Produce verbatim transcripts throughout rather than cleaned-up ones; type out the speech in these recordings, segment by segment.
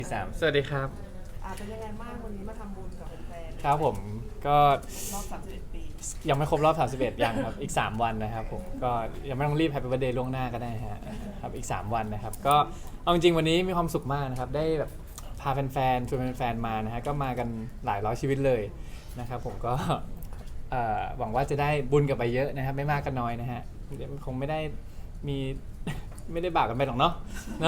สามสวัสดีครับอ่าเป็นยังไงบ้างวันนี้มาทำบุญกับแฟนๆครับผมก็รอบสามสิบเอ็ดปียังไม่ครบรอบสามสิบเอ็ดยังครับอีกสามวันนะครับผมก็ยังไม่ต้องรีบ Happy Birthday ล่วงหน้าก็ได้ฮะครับอีกสามวันนะครับก็เอาจริงๆวันนี้มีความสุขมากนะครับได้แบบพาแฟนๆชวนแฟนๆมานะฮะก็มากันหลายร้อยชีวิตเลยนะครับผมก็เอ่อหวังว่าจะได้บุญกลับไปเยอะนะครับไม่มากก็น้อยนะฮะคงไม่ได้มีไม่ได้บาปกันไปหรอกเนาะ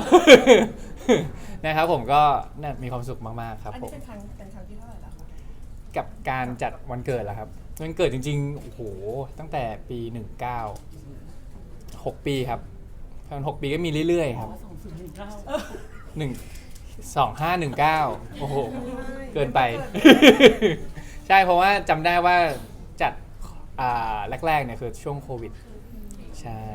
นะครับผมก็มีความสุขมากๆครับอันผนี้มเป็นครั้งเป็นครั้งที่เท่าไหร่แล้วคะกับการจัดวันเกิดเหรอครับวันเกิดจริงๆโอ้โหตั้งแต่ปีหนึ่งเก้า หกปีครับตอนหกปีก็มีเรื่อยๆครับหนึ่งสองห้าหนึ่งเก้าโอ้โหเกินไป ใช่เพราะว่าจำได้ว่าจัดอ่าแรกๆเนี่ยคือช่วงโควิดใช่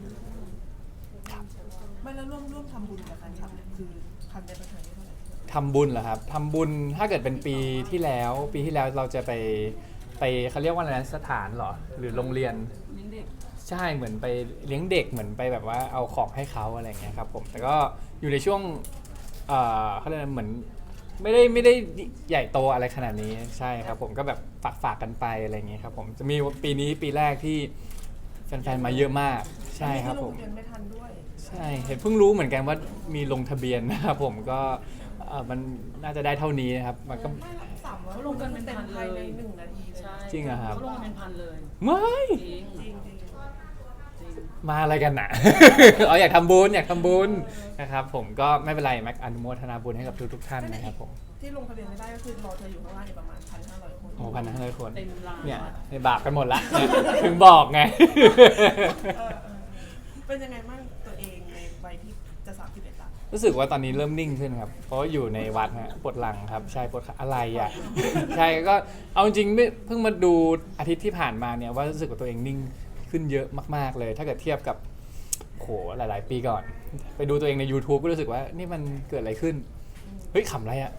ไม่แล้วร่วมร่วมทำบุญกับแฟนคลับเนี่ยคือครั้งนี้เป็นครั้งที่เท่าไหร่ทำบุญเหรอครับทำบุญถ้าเกิดเป็นปีที่แล้วปีที่แล้วเราจะไปไปเขาเรียกว่าอะไรนะสถานเหรอหรือโรงเรียนเลี้ยงเด็กใช่เหมือนไปเลี้ยงเด็กเหมือนไปแบบว่าเอาของให้เขาอะไรอย่างเงี้ยครับผมแต่ก็อยู่ในช่วงเอ่อเขาเรียกเหมือนไม่ได้ไม่ได้ใหญ่โตอะไรขนาดนี้ใช่ครับผมก็แบบฝากฝากกันไปอะไรอย่างเงี้ยครับผมจะมีปีนี้ปีแรกที่แฟนๆมาเยอะมากใช่ครับผมที่ลงทะเบียนไม่ทันด้วยใช่เห็นเพิ่งรู้เหมือนกันว่ามีลงทะเบียนนะครับผมก็เอ่อมันน่าจะได้เท่านี้นะครับมันก็ไม่รับสามร้อยลงกันเป็นพันเลยในหนึ่งนาทีเลยจริงเหรอครับเขาลงกันเป็นพันเลยไม่จริงจริงจริงมาอะไรกันน่ะ อ๋ออยากทำบุญอยากทำบุญนะครับผมก็ไม่เป็นไรแม็กอนุโมทนาบุญให้กับทุกทุกท่านนะครับผมที่ลงทะเบียนไม่ได้ก็คือรอเธออยู่ข้างล่างอีกประมาณพันห้าร้อยคนโอ้พันห้าร้อยคนเต็มร้านเนี่ยในบาปกันหมดละเนี่ยถึงบอกไงเออเออเป็นยังไงบ้างตัวเองในวัยที่จะสามสิบเอ็ดละรู้สึกว่าตอนนี้เริ่มนิ่งขึ้นครับเพราะว่าอยู่ในวัดฮะปวดหลังครับใช่ปวดขาอะไรอ่ะ ใช่ก็เอาจริงไม่เพิ่งมาดูอาทิตย์ที่ผ่านมาเนี่ยว่ารู้สึกว่าตัวเองนิ่งขึ้นเยอะมากๆเลย ถ้าเกิดเทียบกับโหหลายๆปีก่อน ไปดูตัวเองใน YouTube ก็รู้สึกว่านี่มันเกิดอะไรขึ้นเฮ้ยขำอะไรอ่ะ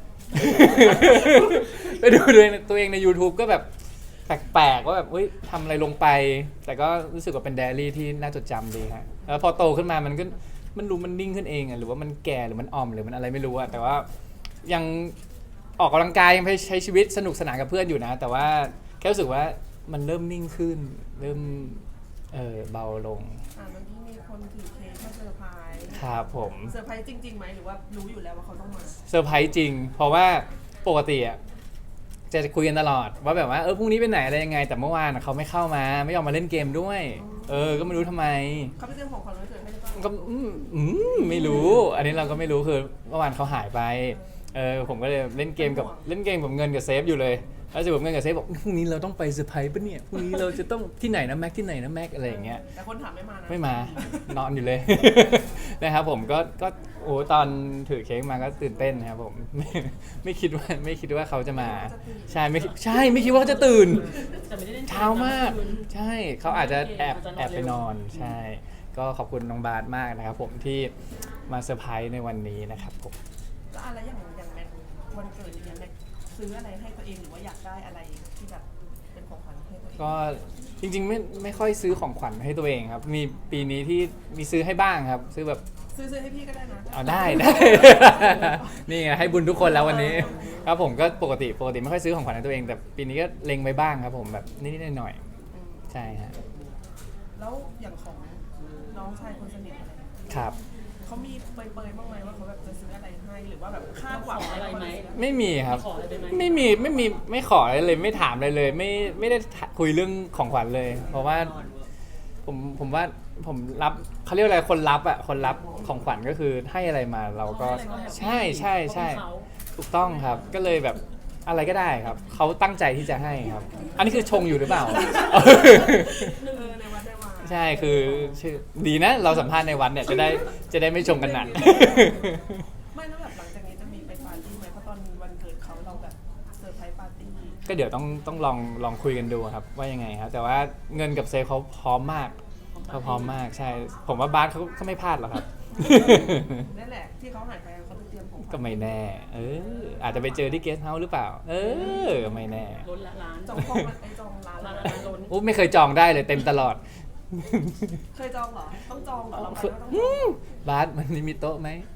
ไปดูตัวเองตัวเองใน YouTube ก็แบบแปลกๆว่าแบบเฮ้ยทำอะไรลงไป แต่ก็รู้สึกว่าเป็นไดอารี่ที่น่าจดจำดีฮะแล้วพอโตขึ้นมามันก็มันรู้มันนิ่งขึ้นเองอ่ะหรือว่ามันแก่หรือมันอ่อมหรือมันอะไรไม่รู้อ่ะแต่ว่ายังออกกำลังกายยังไปใช้ชีวิตสนุกสนานกับเพื่อนอยู่นะ แต่ว่าแค่รู้สึกว่ามันเริ่มนิ่งขึ้นเริ่มเออเบาลงอ่าเมื่อกี้มีคนถือเค้กมาเซอร์ไพรส์ครับผมเซอร์ไพรส์จริงๆไหมหรือว่ารู้อยู่แล้วว่าเขาต้องมาเซอร์ไพรส์จริงเพราะว่าปกติอ่ะจะคุยกันตลอดว่าแบบว่าเออพรุ่งนี้ไปไหนอะไรยังไงแต่เมื่อวานเขาไม่เข้ามาไม่ยอมมาเล่นเกมด้วยเออก็ไม่รู้ทำไมเขาไปเตรียมของขวัญวันเกิดให้หรือเปล่าก็อืมอืมไม่รู้อันนี้เราก็ไม่รู้คือเมื่อวานเขาหายไปเออผมก็เลยเล่นเกมกับเล่นเกมกับเงินกับเซฟอยู่เลยแล้วจะบอกเงินกับเซฟบอกพรุ่งนี้เราต้องไปเซอร์ไพรส์ปะเนี่ยพรุ่งนี้เราจะต้องที่ไหนนะแม็กที่ไหนนะแม็กอะไรอย่างเงี้ยแต่คนถามไม่มานะไม่มานอนอยู่เลย นะครับผมก็ก็โอ้ตอนถือเค้กมาก็ตื่นเต้นนะครับผม ไม่ไม่คิดว่าไม่คิดว่าเขาจะมาใช่ไม่ใช่ไม่คิดว่าเขาจะตื่นเช้ามากใช่เขาอาจจะแอบแอบไปนอนใช่ก็ขอบคุณน้องบาสมากนะครับผมที่มาเซอร์ไพรส์ในวันนี้นะครับผมแล้วอะไรอย่างอย่างแม็กวันเกิดอย่างเงี้ยแม็กซื้ออะไรให้ตัวเองหรือว่าอยากได้อะไรที่แบบเป็นของขวัญให้ตัวเองก็จริงๆไม่ไม่ค่อยซื้อของขวัญให้ตัวเองครับมีปีนี้ที่มีซื้อให้บ้างครับซื้อแบบซื้อซื้อให้พี่ก็ได้นะเอาได้ได้ นี่ไงให้บุญทุกคนแล้ววันนี้ครับผมก็ปกติปกติไม่ค่อยซื้อของขวัญให้ตัวเองแต่ปีนี้ก็เล็งไว้บ้างครับผมแบบนิดๆหน่อยๆใช่ฮะแล้วอย่างของน้องชายคนสนิทอะไรครับเขามีเปรยๆบ้างไหมว่าเขาแบบจะซื้ออะไรให้หรือว่าแบบคาดหวังอะไรไหมไม่มีครับขออะไรไหมไม่มีไม่มีไม่ขออะไรเลยไม่ถามอะไรเลยไม่ไม่ได้คุยเรื่องของขวัญเลย เพราะว่าผมผมว่าผมรับเขาเรียกอะไรคนรับอ่ะคนรับของขวัญก็คือให้อะไรมาเราก็ใช่ใช่ใช่ถูกต้องครับก็เลยแบบอะไรก็ได้ครับเขาตั้งใจที่จะให้ครับอันนี้คือชงอยู่หรือเปล่าเออในวัดได้มาใช่คือชื่อดีนะเราสัมภาษณ์ในวันเนี่ยจะได้จะได้ไม่ชงกันหนักไม่แล้วแบบหลังจากนี้จะมีไปปาร์ตี้ไหมเพราะตอนวันเกิดเขาเราแบบเซอร์ไพรส์ปาร์ตี้ก็เดี๋ยวต้องต้องลองลองคุยกันดูครับว่ายังไงครับแต่ว่าเงินกับเซฟเขาพร้อมมากเขาพร้อมมากใช่ผมว่าบาสเขาเขาไม่พลาดหรอกครับนั่นแหละที่เขาหายไปเขาไปเตรียมของก็ไม่แน่เอออาจจะไปเจอที่เกสต์เฮาส์หรือเปล่าเออไม่แน่ล้นละร้านจองห้องไอจองร้านร้านล้นโอ้ไม่เคยจองได้เลยเต็มตลอดเคยจองเหรอต้องจองเหรอเราไปก็ต้องบาสมันมีโต๊ะไหม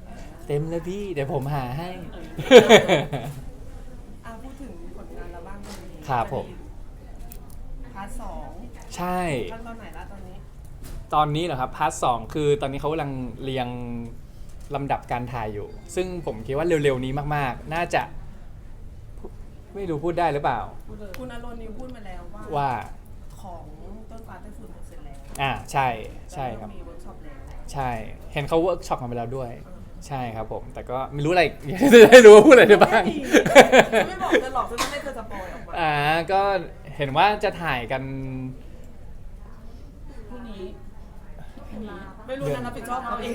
เต็มเลยพี่เดี๋ยวผมหาให้อ่ะพูดถึงผลงานเราบ้างตอนนี้ครับผมพาร์ทสองใช่ขั้นตอนไหนละตอนนี้ตอนนี้เหรอครับพาร์ทสองคือตอนนี้เขากำลังเรียงลำดับการถ่ายอยู่ ซึ่งผมคิดว่าเร็วๆนี้มากๆ น่าจะไม่รู้พูดได้หรือเปล่าคุณอารมณ์นิวพูดมาแล้วว่าว่าของต้นฟ้าใต้ฝุ่นเสร็จแล้วอ่าใช่ใช่ครับแล้วก็มีเวิร์กช็อปแล้วใช่ เห็นเขาเวิร์กช็อปกันไปแล้วด้วย ใช่ครับผม แต่ก็ไม่รู้อะไร จะได้รู้ว่าพูดอะไรได้บ้างจะไม่บอกจะหลอกจะไม่ให้เธอสปอยออกมาอ่าก็เห็นว่าจะถ่ายกันพรุ่งนี้ไม่รู้นะรับผิดชอบเขาเอง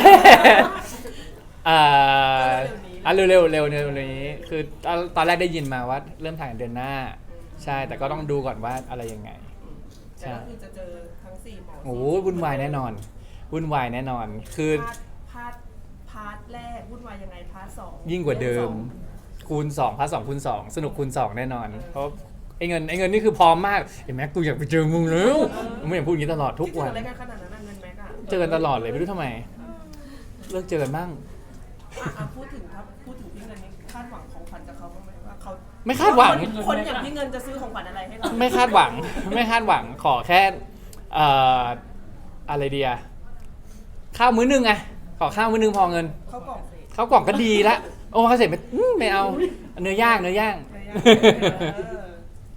อ่าก็เร็วๆนี้อ่ะเร็วๆเร็วๆเร็วๆนี้ คือตอนตอนแรกได้ยินมาว่าเริ่มถ่ายเดือนหน้า ใช่ แต่ก็ต้องดูก่อนว่าอะไรยังไงแต่ก็คือจะเจอทั้งสี่หมอโอ้โหวุ่นวายแน่นอน วุ่นวายแน่นอน คือพาร์ทพาร์ทพาร์ทแรกวุ่นวายยังไงพาร์ทสองยิ่งกว่าเดิม คูณสองพาร์ทสองคูณสองสนุกคูณสองแน่นอน เพราะไอ้เงินไอ้เงินนี่คือพร้อมมากเห็นไหมกูอยากไปเจอมึงแล้วไม่อยากพูดอย่างนี้ตลอดทุกวันคิดถึงอะไรกันขนาดนั้นอะเงินแม็กอะเจอกันตลอดเลยไม่รู้ทำไม เลิกเจอกันบ้างอ่ะอ่ะพูดถึงครับพูดถึงพี่เงินนี่คาดหวังของขวัญจากเขาบ้างไหมว่าเขาไม่คาดหวังคนคนอย่างพี่เงินจะซื้อของขวัญอะไรให้เราไม่คาดหวัง ไม่คาดหวังขอแค่เอ่ออะไรเดียข้าวมื้อนึงไงขอข้าวมื้อนึงพอเงินเขากล่องเสร็จข้าวกล่องก็ดีละโอ้เขาเสร็จไม่อื้อไม่เอาเนื้อย่างเนื้อย่างเออ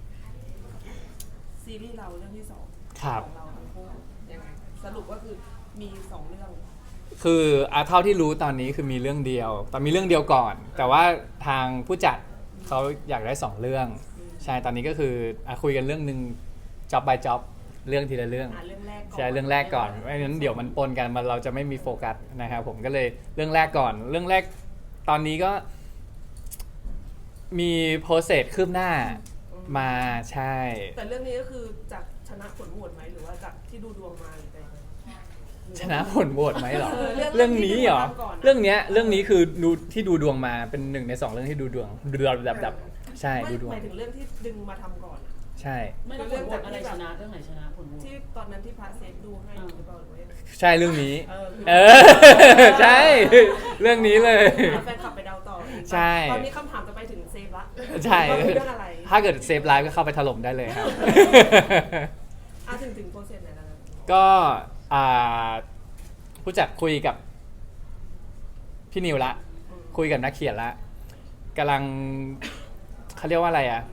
ซีรีส์เราเรื่องที่สองครับของเราทั้งคู่ยังไงสรุปก็คือมีสองเรื่องคืออ่ะเท่าที่รู้ตอนนี้คือมีเรื่องเดียวแต่มีเรื่องเดียวก่อน แต่ว่าทางผู้จัดเขาอยากได้สองเรื่อง ใช่ตอนนี้ก็คืออ่ะคุยกันเรื่องหนึ่ง job by job เรื่องทีละเรื่องอ่ะเรื่องแรกก่อนใช่เรื่องแรกก่อนไม่งั้นเดี๋ยวมันปนกันมันเราจะไม่มีโฟกัสนะครับผมก็เลยเรื่องแรกก่อน เรื่องแรกตอนนี้ก็ มีโปรเซสคืบหน้ามาใช่แต่เรื่องนี้ก็คือจากชนะผลโหวตไหมหรือว่าจากที่ดูดวงมาหรือไงชนะผลโหวตไหมเหรอเออเรื่องเรื่องนี้เหรอที่ดูดวงก่อนอะเรื่องเนี้ยเรื่องนี้คือดูที่ดูดวงมาเป็นหนึ่งในสองเรื่องที่ดูดวงดูดวงแบบแบบใช่ไม่ดูดวงหมายถึงเรื่องที่ดึงมาทำก่อนอะใช่ไม่ต้องผลโหวตอะไรชนะเรื่องไหนชนะผลโหวตที่ตอนนั้นที่พาเซฟดูให้หรือเปล่าหรือว่ายังไงใช่เรื่องนี้เออเออ ใช่ เรื่องนี้เลยแฟนคลับไปเดาต่อเองใช่ตอนนี้คำถามจะไปถึงเซฟละใช่ว่าคือเรื่องอะไรถ้าเกิดเซฟไลฟ์ก็เข้าไปถล่มได้เลยครับอ่ะถึงถึงโปรเซสไหนแล้วนะก็อ่าผู้จัดคุยกับพี่นิวละอืมคุยกับนักเขียนละกำลังเขาเรียกว่าอะไรอ่ะ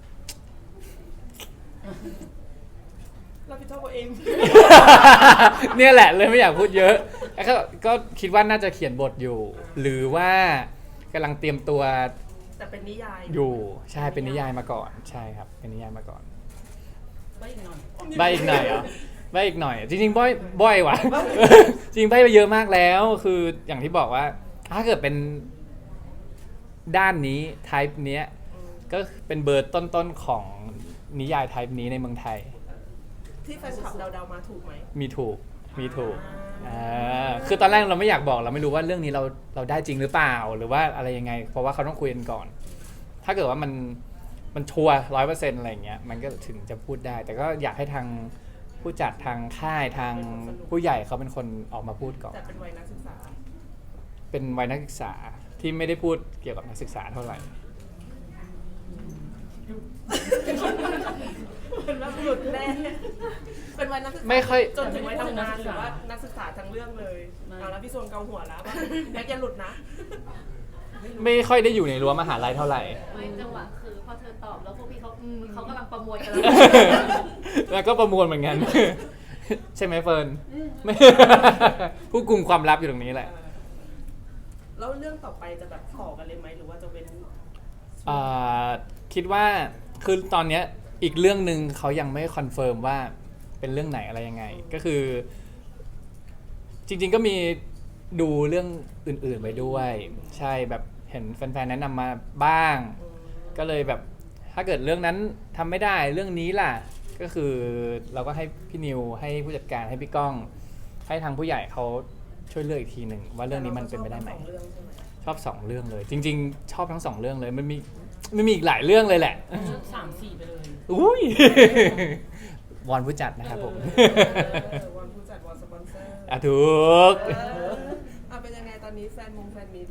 รับผิดชอบตัวเองเนี่ยแหละเลยไม่อยากพูดเยอะแล้วก็ก็คิดว่าน่าจะเขียนบทอยู่ หรือว่ากำลังเตรียมตัวแต่เป็นนิยายอยู่ใช่เป็นนิยายมาก่อนใช่ครับเป็นนิยายมาก่อนไม่อีกหน่อยใบอีกหน่อยเหรอใบอีกหน่อย จริงๆบ่อยบ่อยว่ะ จริงใบไปเยอะมากแล้ว คืออย่างที่บอกว่า ถ้าเกิดเป็นด้านนี้ type เนี้ยอืมก็เป็นเบอร์ต้นๆของนิยาย type นี้ในเมืองไทยที่แฟนคลับเดาๆมาถูกไหมมีถูกมีถูกอ่าอ่าคือตอนแรกเราไม่อยากบอกเราไม่รู้ว่าเรื่องนี้เราเราได้จริงหรือเปล่าหรือว่าอะไรยังไง เพราะว่าเขาต้องคุยกันก่อน ถ้าเกิดว่ามันมันชัวร์ร้อยเปอร์เซ็นต์อะไรอย่างเงี้ยมันก็ถึงจะพูดได้ แต่ก็อยากให้ทางผู้จัดทางค่ายทางผู้ใหญ่เขาเป็นคนออกมาพูดก่อนแต่เป็นวัยนักศึกษาเป็นวัยนักศึกษาที่ไม่ได้พูดเกี่ยวกับนักศึกษาเท่าไหร่เป็นว่าหลุดแน่เป็นวัยนักศึกษาไม่ค่อยจนถึงวัยทำงานหรือว่านักศึกษาทั้งเรื่องเลยเอาแล้วพี่ส่วนเกาหัวแล้วว่าแม็กอย่าหลุดนะไม่ค่อยได้อยู่ในรั้วมหาลัยเท่าไหร่ไม่จังหวะคือพอเธอตอบแล้วพวกพี่เขาอืมเขากำลังประมวลกันแล้วก็ประมวลเหมือนกัน ใช่ไหมเฟิร์นไม่ผู้กุมความลับอยู่ตรงนี้แหละแล้วเรื่องต่อไปจะแบบต่อกันเลยไหมหรือว่าจะเว้นอ่าคิดว่าคือตอนเนี้ยอีกเรื่องหนึ่งเขายังไม่คอนเฟิร์มว่าเป็นเรื่องไหนอะไรยังไง ก็คือ จริงๆก็มีดูเรื่องอื่นๆไปด้วย ใช่แบบเห็นแฟนๆแนะนำมาบ้างอืมก็เลยแบบถ้าเกิดเรื่องนั้นทำไม่ได้เรื่องนี้ล่ะ ก็คือเราก็ให้พี่นิวให้ผู้จัดการให้พี่ก้อง ให้ทางผู้ใหญ่เขาช่วยเลือกอีกทีหนึ่งว่าเรื่องนี้มันเป็นไปได้ไหมแต่เราก็ชอบทั้งสองเรื่องใช่ไหมชอบสองเรื่องเลย จริง ๆ ชอบทั้งสองเรื่องเลยมันมีมันมีอีกหลายเรื่องเลยแหละสามสี่ไปเลยอุ้ย วอนผู้จัดนะครับผมเออวันผู้จัดวันสปอนเซอร์อ่ะถูกเอออ่ะเป็นยังไงตอนนี้แฟนมงแฟนมี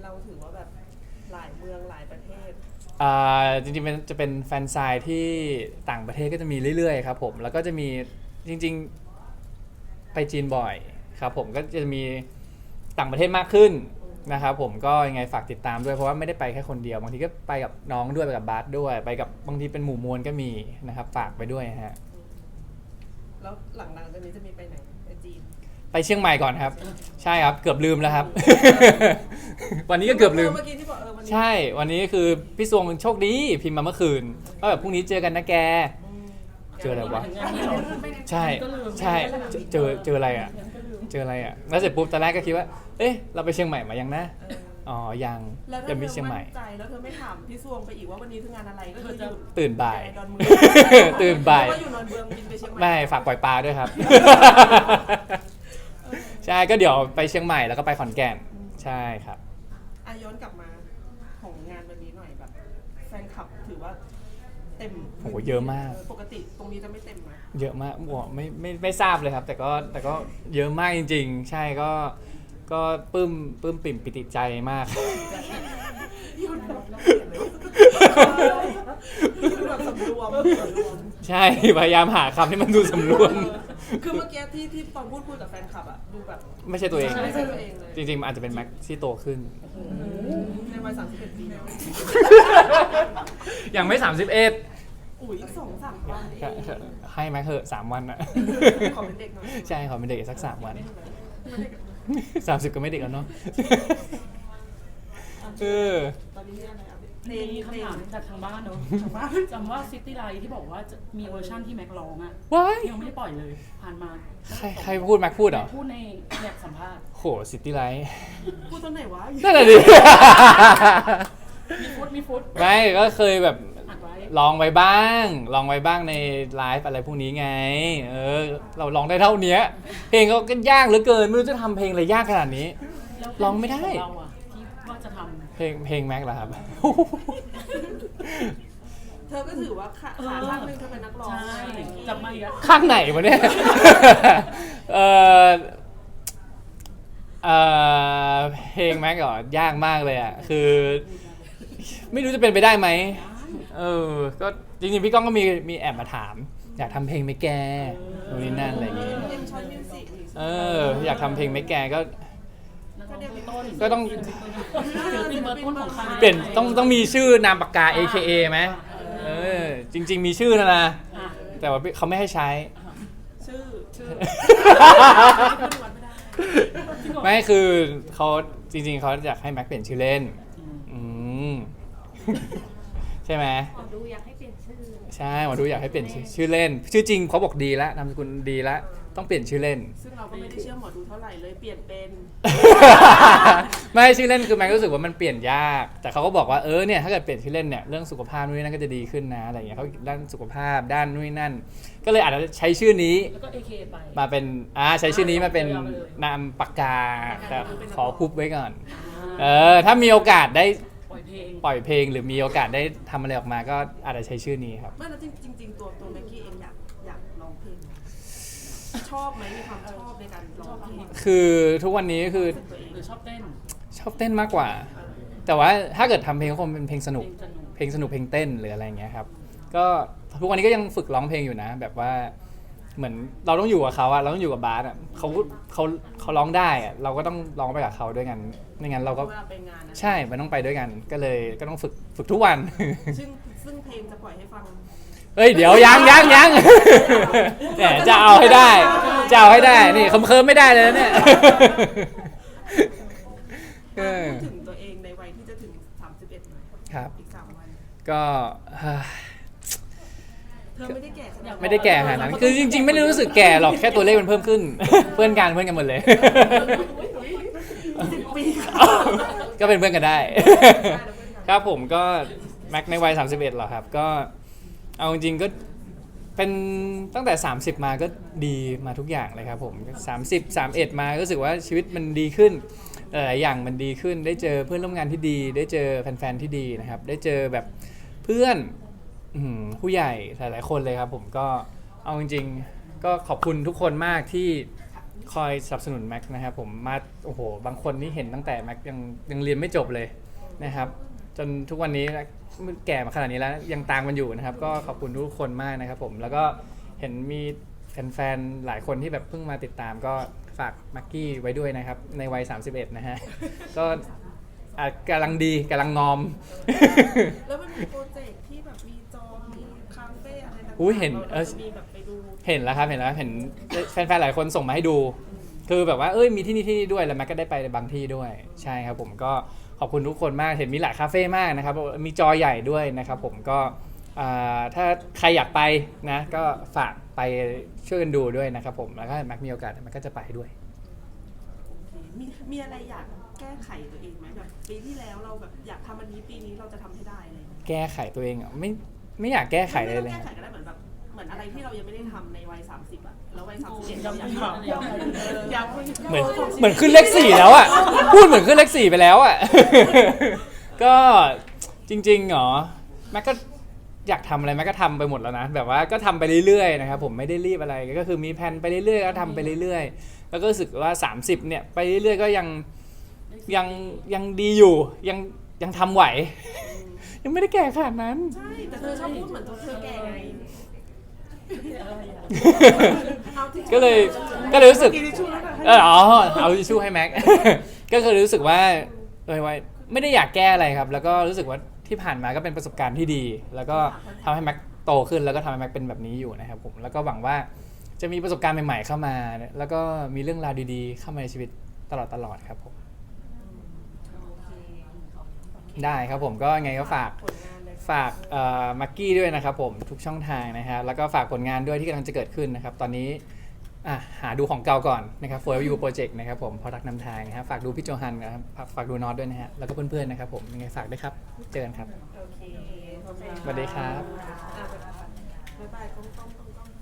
มืองหลายประเทศอ่าจริงๆมันจะเป็นแฟนไซน์ที่ต่างประเทศก็จะมีเรื่อยๆครับผมแล้วก็จะมีจริงๆไปจีนบ่อยครับผมก็จะมีต่างประเทศมากขึ้นนะครับผมก็ยังไงฝากติดตามด้วยเพราะว่าไม่ได้ไปแค่คนเดียวบางทีก็ไปกับน้องด้วยไปกับบาสด้วยไปกับบางทีเป็นหมู่มวลก็มีนะครับฝากไปด้วยฮะแล้วหลังๆจากนี้จะมีไปไหนไปจีนไปเชียงใหม่ก่อนครับใช่ครับเกือบลืมแล้วครับ วันนี้ก็เกือบลืมเมื่อกี้ที่บอกเออวันนี้ใช่วันนี้คือพี่สวงโชคดีพิมพ์มาเมื่อคืนว่าแบบพรุ่งนี้เจอกันนะแก เจออะไรวะงานนี้เหรอใช่ใช่เจอเจออะไรอ่ะเจออะไรอ่ะแล้วเสร็จปุ๊บตอนแรกก็คิดว่าเอ๊ะเราไปเชียงใหม่มายังนะเอออ๋อยังแล้วถ้าจะเธมีอเชียงใหม่มั่นใจแล้วเธอไม่ถามพี่ซวงไปอีกว่าวันนี้คืองานอะไรก็คืออยู่ตื่นบ่ายดอนเมืองตื่นบ่ายแล้วก็อยู่นอนเมืองบินไปเชียงใหม่ไม่ฝากปล่อยปลาด้วยครับ ใช่ก็เดี๋ยวไปเชียงใหม่แล้วก็ไปขอนแก่นใช่ครับอ่ะย้อนกลับมาของงานวันนี้หน่อยแบบแฟนคลับถือว่าเต็มโหเยอะมากปกติตรงนี้จะไม่เต็มนะเยอะมากบอกไม่ไม่ไม่ทราบเลยครับ แต่ก็แต่ก็เยอะมากจริง ๆ ใช่ก็ก็ปลื้มปลื้มปิ่มปิติใจมากยุ่นแบบยุ่นแบบสำรวมสำรวมใช่พยายามหาคำที่มันดูสำรวมคือเมื่อกี้ที่ที่ตอนพูดคุยกับแฟนคลับอะดูแบบไม่ใช่ตัวเองไม่ใช่ตัวเองเลยจริงๆมันอาจจะเป็นแม็กที่โตขึ้นในวัยสามสิบเอ็ดปีแล้วยังไม่สามสิบเอ็ดอุ้ยอีกสองสามวันเองให้แม็กเหอะสามวันอะขอเป็นเด็กหน่อยใช่ขอเป็นเด็กอีกสักสามวันสามสิบก็ไม่เด็กแล้วเนาะเออตอนนี้มีอะไรอ่ะเพลมีงเพลคำถามงจากทางบ้านเนอะจำว่าซิตี้ไลท์ที่บอกว่าจะมีเวอร์ชั่นที่แม็กร้องอะว้ายยังไม่ได้ปล่อยเลย ผ่านมาใครใครพูดแม็กพูดเหรอพูดในแบบสัมภาษณ์โหซิตี้ไลท์พูดตอนไหนวะนั่นแหละดิมีฟุตมีฟุตไม่ก็เคยแบบอัดไว้ลองไว้บ้าง ลองไว้บ้างในไลฟ์อะไรพวกนี้ไง เออ เราลองได้เท่านี้เพลงก็ยากเหลือเกิน ไม่รู้จะทำเพลงอะไรยากขนาดนี้แล้วร้องไม่ได้ของเราอะที่ว่าจะทำเพลงเพลงแม็กเหรอครับเธอก็ถือว่าขาขาข้างหนึงเธอเป็นนักร้องใช่จับมาอีกแล้วข้างไหนวะเนี่ย เออเออเพลงแม็กเหรอยากมากเลยอ่ะ คือ ไม่รู้จะเป็นไปได้ไหม เออ ก็จริงๆพี่ก้องก็มีมีแอบมาถาม อยากทำเพลงไหมแกนู่นนี่นั่นอะไรอย่างงี้เอ็มชอยมิวสิกเออ อยากทำเพลงไหมแกก็นักร้องเบอร์ต้นก็ต้องศิลปินเบอร์ต้นของค่ายเปลี่ยนต้องต้องมีชื่อนามปากกา เอ เค เอ ไหมเออ จริง ๆ มีชื่อนะนะอ่ะแต่ว่าเขาไม่ให้ใช้ชื่อชื่อไม่คือเขาจริง ๆเขาอยากให้แม็กเปลี่ยนชื่อเล่น อืม ใช่ไหมขอดูอยากให้เปลี่ยนชื่อใช่หมอดูอยากให้เปลี่ยนชื่อชื่อเล่น ชื่อจริงเขาบอกดีแล้วนามสกุลดีแล้วต้องเปลี่ยนชื่อเล่นซึ่งเราก็ไม่ได้เชื่อหมอดูเท่าไหร่เลยเปลี่ยนเป็นไม่ชื่อเล่นคือแม็กรู้สึกว่ามันเปลี่ยนยาก แต่เขาก็บอกว่าเออเนี่ยถ้าเกิดเปลี่ยนชื่อเล่นเนี่ยเรื่องสุขภาพนู่นนนั่นก็จะดีขึ้นนะอะไรอย่างเงี้ยเขาด้านสุขภาพด้านนู่นนนั่น ก็เลยอาจจะใช้ชื่อนี้แล้วก็ เอ เค ไปมาเป็นอ่าใช้ชื่อนี้มาเป็นเอาไปเลยนามปากกาแต่ขอพุบไว้ก่อน เออ่าอถ้ามีโอกาสได้ปล่อยเพลงปล่อยเพลงหรือมีโอกาสได้ทำอะไรออกมาก็อาจจะใช้ชื่อนี้ครับไม่แล้วจริงจริงๆตัวตัวแม็กกี้เองอยากอยากร้องเพลงไหมชอบไหมมีความชอบในการร้องเพลงคือทุกวันนี้คือตัวเองหรือชอบเต้นชอบเต้นมากกว่า แต่ว่าถ้าเกิดทำเพลงก็คงเป็นเพลงสนุกเพลงสนุกเพลงสนุกเพลงเต้นหรืออะไรอย่างเงี้ยครับ ก็ทุกวันนี้ก็ยังฝึกร้องเพลงอยู่นะ แบบว่าเหมือนเราต้องอยู่กับเขาอะเราต้องอยู่กับบาสอะเขาเขาเขาร้องได้อะเราก็ต้องร้องไปกับเขาด้วยกันไม่งั้นเราก็เวลาไปงานนะใช่มันต้องไปด้วยกัน ก็เลยก็ต้องฝึกฝึกทุกวันซึ่งซึ่งเพลงจะปล่อยให้ฟังเฮ้ยเดี๋ยวยังยังยังแหมจะเอาให้ได้จะเอาให้ได้นี่เคิมๆไม่ได้เลยนะเนี่ยเออพูดถึงตัวเองในวัยที่จะถึงสามสิบเอ็ดหน่อยครับอีกสามวันก็ เฮ้ยเธอไม่ได้แก่ขนาดนั้นไม่ได้แก่ขนาดนั้นคือจริงๆ ไม่ได้รู้สึกแก่หรอกแค่ตัวเลขมันเพิ่มขึ้น เพื่อนกันเพื่อนกันหมดเลยสิบปีก็เป็นเพื่อนกันได้ ครับผมก็แม็กในวัยสามสิบเอ็ดเหรอครับ ก็เอาจริงๆก็เป็นตั้งแต่สามสิบมาก็ดีมาทุกอย่างเลยครับผมสามสิบ สามสิบเอ็ดมาก็รู้สึกว่าชีวิตมันดีขึ้นหลายๆอย่างมันดีขึ้นได้เจอเพื่อนร่วมงานที่ดี ได้เจอแฟนๆที่ดีนะครับ ได้เจอแบบเพื่อนอืมผู้ใหญ่หลายๆคนเลยครับผมก็เอาจริงๆก็ขอบคุณทุกคนมากที่คอยสนับสนุนแม็กนะครับผมมาโอ้โหบางคนนี่เห็นตั้งแต่แม็กยังยังเรียนไม่จบเลยนะครับจนทุกวันนี้แก่มาขนาดนี้แล้วยังตามมันอยู่นะครับก็ขอบคุณทุกคนมากนะครับผมแล้วก็เห็นมีแฟนๆหลายคนที่แบบเพิ่งมาติดตามก็ฝากมักกี้ไว้ด้วยนะครับในวัยสามสิบเอ็ดนะฮะ ก็อ่ะกำลังดีกำลังงอมแล้วมันมีโปรเจกต์ที่แบบมีจอมีคาเฟ่อะไรต่างๆอุ๊ยเห็นเอเราอจะมีแบบไปดูเห็นแล้วครับเห็นแล้วเห็นแฟนๆหลายคนส่งมาให้ดู คือแบบว่าเอ้ยมีที่นี่ที่นี่ด้วยแล้วแม็กก็ได้ไปบางที่ด้วยใช่ครับผมก็ขอบคุณทุกคนมากเห็นมีหลายคาเฟ่มากนะครับมีจอใหญ่ด้วยนะครับผมก็อ่าถ้าใครอยากไปนะก็ฝากไปช่วยกันดูด้วยนะครับผมแล้วก็แม็กมีโอกาสแม็กก็จะไปด้วยมีมีอะไรอยากแก้ไขตัวเองไหมแบบปีที่แล้วเราแบบอยากทำอันนี้ปีนี้เราจะทำให้ได้อะไรอย่างเงี้ยแก้ไขตัวเองอ่ะไม่ไม่อยากแก้ไขเลยไม่เลต้อย งแก้ไขก็ได้เหมือนแบบเหมือนอะไรที่เรายังไม่ได้ทำในวัยสามสิบอะแล้ววัยสามสิบเอ็ดเราอยากทำอยากเหมือนเหมือนขึ้นเลขสี่แล้วอ่ะพูดเหมือนขึ้นเลขสี่ไปแล้วอ่ะ ก็จริงๆเหรอแม็กก็อยากทำอะไรแม็กก็ทำไปหมดแล้วนะแบบว่าก็ทำไปเรื่อยๆนะครับผมไม่ได้รีบอะไรก็คือมีแผนไปเรื่อยๆก็ทำไปเรื่อยๆแล้วก็รู้สึกว่าสามสิบเนี่ยไปเรื่อยๆก็ยังยังยังดีอยู่ยังยังทำไหว ยังไม่ได้แก่ขนาดนั้นใช่แต่เธอชอบพูดเหมือนตัวเธอแก่ไง เอาที่ก็เลยก็เลยรู้สึกกินทิชชู่แล้วกันเอออ๋อเอาทิชชู่ให้แม็ก ก็คือรู้สึกว่าเออว่าไม่ได้อยากแก้อะไรครับ แล้วก็รู้สึกว่าที่ผ่านมาก็เป็นประสบการณ์ที่ดี แล้วก็ทำให้แม็กโตขึ้นแล้วก็ทำให้แม็กเป็นแบบนี้อยู่นะครับผมแล้วก็หวังว่าจะมีประสบการณ์ใหม่ๆเข้ามา แล้วก็มีเรื่องราวดีๆ เข้ามาในชีวิตตลอดตลอดครับผมได้ครับผมก็ไงก็ฝากผลงานเลยฝากมักกี้ด้วยนะครับผมทุกช่องทางนะฮะแล้วก็ฝากผลงานด้วยที่กำลังจะเกิดขึ้นนะครับตอนนี้อ่ะหาดูของเก่าก่อนนะครับ Forever You Project นะครับผมพอรักนำทางนะครับฝากดูพี่โจฮันนะครับฝากฝากดูน็อตด้วยนะฮะแล้วก็เพื่อนๆนะครับผมยังไงฝากด้วยครับเจอกันครับโอเคสวัสดีครับอ่ะบ๊ายบายกล้องๆ